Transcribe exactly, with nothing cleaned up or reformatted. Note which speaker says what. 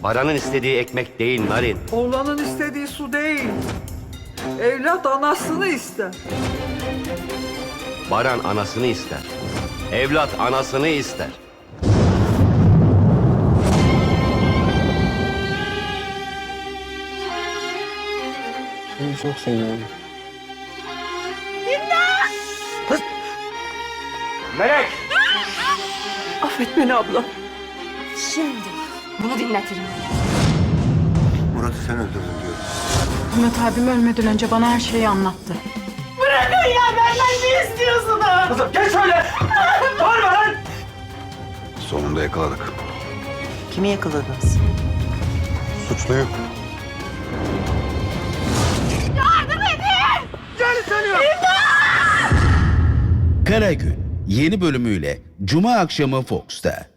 Speaker 1: Baran'ın istediği ekmek değil Narin.
Speaker 2: Oğlanın istediği su değil. Evlat anasını ister.
Speaker 1: Baran anasını ister. Evlat anasını ister.
Speaker 3: Seni çok seviyorum.
Speaker 1: Melek!
Speaker 2: Affet beni abla.
Speaker 4: Şimdi bunu dinletirim.
Speaker 5: Murat'ı sen öldürdün diyor.
Speaker 6: Murat abim ölmeden önce bana her şeyi anlattı.
Speaker 4: Bırakın ya, benden ne istiyorsunuz?
Speaker 1: Kızım geç şöyle! Bağırma lan!
Speaker 5: Sonunda yakaladık.
Speaker 3: Kimi yakaladınız?
Speaker 5: Suçluyu.
Speaker 7: Kara Gün yeni bölümüyle Cuma akşamı Fox'ta.